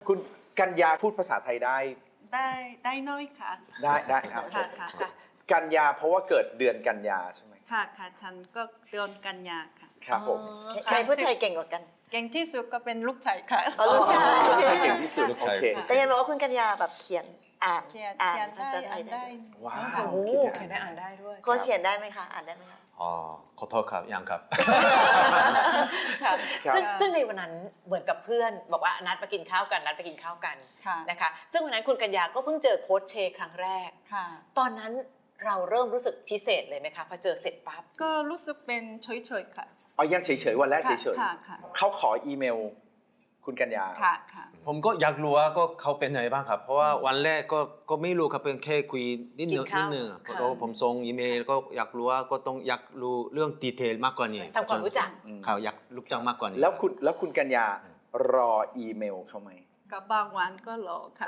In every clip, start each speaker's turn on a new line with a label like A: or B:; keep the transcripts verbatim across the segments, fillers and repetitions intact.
A: คุณกัญญาพูดภาษาไทยได้
B: ได้ได้น้อยค่ะ
A: ได้ได้ครับ
B: ค่ะค่ะค่ะ
A: กัญญาเพราะว่าเกิดเดือนกันยาใช่ไหม
B: ค่ะค่ะฉันก็เดือนกันยาค่ะ
A: ครับผม
C: ใครพูดไทยเก่งกว่ากัน
B: เก่งที่สุดก็เป็นลูกชายค่ะ
C: อ๋อลูกชาย
A: เก่งที่สุด
D: ลูก
A: โอ
D: ชาย
A: เค
C: แต่ยังบอกว่าคุณกัญญาแบบเขียนอ่าน
B: เขียน
C: อ่าน
B: เขียน
C: ภา
B: ได้
C: ษาไท
B: อ่าย น
C: ได้
B: ได้
A: ว้าว
E: โอ้
A: คิด
E: เขียนได้อ่านได้ด้วย
C: โค้ชเขียนได้ไหมคะอ่านได้ไหมคะ
D: อ๋อขอโทษครับยังครับ
E: ค่ะ
A: ครับ
E: ซึ่งซึ่งในวันนั้นเหมือนกับเพื่อนบอกว่านัดมากินข้าวกันนัดไปกินข้าวกัน
B: ค่ะ
E: นะคะซึ่งวันนั้นคุณกัญญาก็เพิ่งเจอโค้ชเชครั้งแรก
B: ค่ะ
E: ตอนนั้นเราเริ่มรู้สึกพิเศษเลยไหมคะพอเจอเสร็จปั๊บ
B: ก็รู้สึกเป็นเฉยๆค่ะ
A: อ๋อยังเฉยๆวันแรกเฉย
B: ค่ะค่ะ
A: ๆเขาขออีเมล คุณกัญญา
B: ค่ะค่ะ
D: ผมก็อยากรู้ว่าก็เขาเป็นยังไงบ้างครับ เพราะว่าวันแรกก็ก็ไม่รู้ครับเป็นแค่คุยนิดนึง
E: กินข้าว
D: นิดนึง
E: ค่ะ
D: เพราะผมส่งอีเมลก็อยากรู้ว่าก็ต้องอยากรู้เรื่องดีเทลมากกว่านี้
E: ทำความรู้จัก
D: เขาอยากรู้จักมากกว่านี้
A: แล้วคุณแล้วคุณกัญญารออีเมลเขาไหม
B: ก็บางวันก็รอค่ะ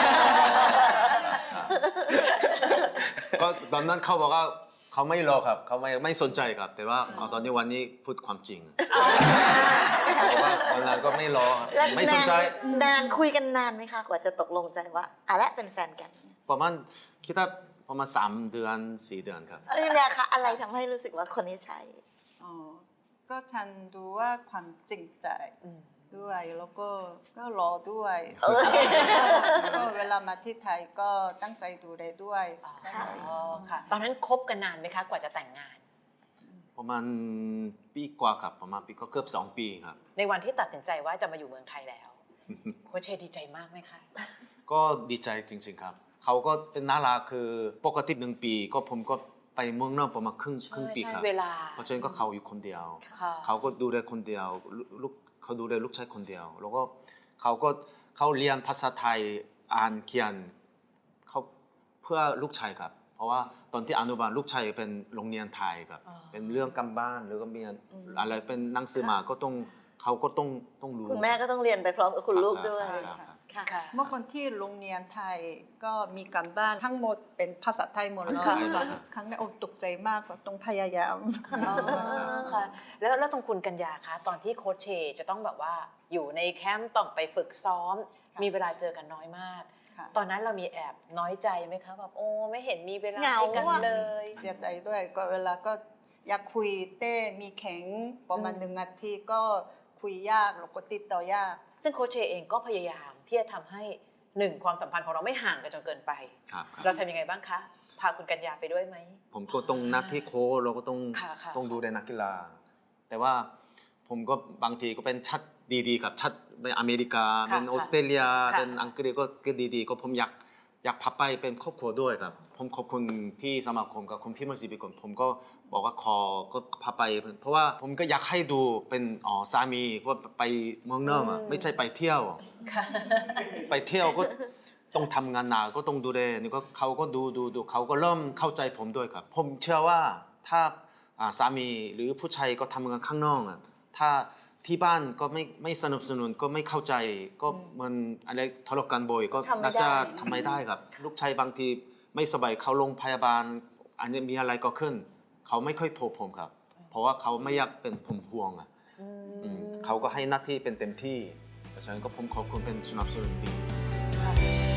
D: ก็ตอนนั้นเขาบอกว่าเขาไม่รอครับเขาไม่ไม่สนใจครับ แต่ว่าเอาตอนนี้วันนี้พูดความจริงเพราะว่าวันนั้นก็ไม่รอครับ
C: แล้ว
D: ไม่สนใจ
C: นานนานคุยกันนานไหมคะกว่าจะตกลงใจว่าอ่ะและเป็นแฟนกัน
D: ประมาณคิดว่าประมาณสามเดือนสี่เดือนครับ
C: เอ้ยเนี่ยคะอะไรทำให้รู้สึกว่าคนนี้ใช่
B: อ๋อ ก็ฉันดูว่าความจริงใจด้วยแล้วก็ก็รอด้วย
C: เอ้ย
B: แล้วก็เวลามาที่ไทยก็ตั้งใจดูแลด้วย
E: อ๋อ
B: ตั้งใจ
E: ค่ะตอนนั้นคบกันนานไหมคะกว่าจะแต่งงาน
D: ประมาณปีกว่าครับประมาณปีก็เกือบสองปีครับ
E: ในวันที่ตัดสินใจว่าจะมาอยู่เมืองไทยแล้วโค้ชเชดีใจมากไหมคะ
D: ก็ดีใจจริงๆครับ เขาก็เป็นน่ารักคือปกติหนึ่งปีก็ผมก็ไปเมืองนอกประมาณครึ่งครึ่งปีครับ
E: เวลา
D: เพราะฉะนั้นก็เขาอยู่คนเดียว
E: ค่ะ
D: เขาก็ดูแลคนเดียวลูกเขาดูแลลูกชายคนเดียว แล้วก็เขาก็เขาเรียนภาษาไทยอ่านเขียนเขาเพื่อลูกชายครับ เพราะว่าตอนที่อนุบาลลูกชายเป็นโรงเรียนไทยครับ
E: อ๋อ
D: เป็นเรื่องกำบ้านหรือก็มี
C: อืม
D: อะไรเป็นหนังสือมาก็ต้องเขาก็ต้องต้องรู้
C: คุณแม่ก็ต้องเรียนไปพร้อมกับคุณลูกด้วย
D: ครับครับ
C: ค่ะ
E: ค่ะ
B: เมื่อก่อนที่โรงเรียนไทยก็มีการบ้านทั้งหมดเป็นภาษาไทยหมดเลย
E: ค่ะ
B: ครั้งแรกโอ้ตกใจมากว่าต้องพยายาม
E: อ๋อค่ะแล้วแล้วตรงคุณกัญญาคะตอนที่โค้ชเชจะต้องแบบว่าอยู่ในแคมป์ต้องไปฝึกซ้อม
B: ค่ะ
E: มีเวลาเจอกันน้อยมาก
B: ค่ะ
E: ตอนนั้นเรามีแอบน้อยใจไหมคะแบบโอ้ไม่เห็นมีเวลา
C: เหงา
E: ให้กัน
C: อะ
E: เลย
B: เสียใจด้วยก็เวลาก็อยากคุยเต้มีแข็งประมาณ
E: อืม
B: หนึ่งนาทีก็คุยยากแล้วก็ติดต่อยาก
E: ซึ่งโค้ชเชเองก็พยายามที่จะทำให้หนึ่งความสัมพันธ์ของเราไม่ห่างกันจนเกินไป
D: ครับครับ
E: เราทำยังไงบ้างคะ พาคุณกัญญาไปด้วยไหม
D: ผมก็ต้องนักที่โค้ชเราก็ต้อง
E: ค่ะค่ะ
D: ต้องดูแลนักกีฬา แต่ว่าผมก็บางทีก็เป็นชัดดีๆครับชัดเป็นอเมริกา
E: ค่ะ
D: เป็นออสเตรเลีย
E: ค่ะ
D: เป็นอังกฤษก็ก็ดีๆ ก็ผมอยากอยากพาไปเป็นครอบครัวด้วยครับ ผมขอบคุณที่สมาคมกับคุณพี่มศิบิกลผมก็บอกว่าขอก็พาไป เพราะว่าผมก็อยากให้ดูเป็นอ๋อสามีเพราะไปเมืองนอกอะไม่ใช่ไปเที่ยว
E: ค่ะ
D: ไปเที่ยวก็ต้องทำงานหนักก็ต้องดูแลนี่ก็เขาก็ดูดูดูเขาก็เริ่มเข้าใจผมด้วยครับ ผมเชื่อว่าถ้าอ่าสามีหรือผู้ชายก็ทำงานข้างนอกอะถ้าที่บ้านก็ไม่ไม่สนับสนุนก็ไม่เข้าใจก็มันอะไรทะเลาะกันบ่อยก็
C: ทำไม่
D: น่าจะ
C: ได้
D: ทำไม่ได้ครับ ลูกชายบางทีไม่สบายเขาโรงพยาบาล อันนี้มีอะไรก็ขึ้น เขาไม่ค่อยโทรผมครับ เพราะว่าเขาไม่อยากเป็นผมห่วงอ่ะ
E: อืม
D: อืมเขาก็ให้หน้าที่เป็นเต็มที่เพราะฉะนั้นก็ผมขอบคุณเป็นสนับสนุนดี
E: ค่ะ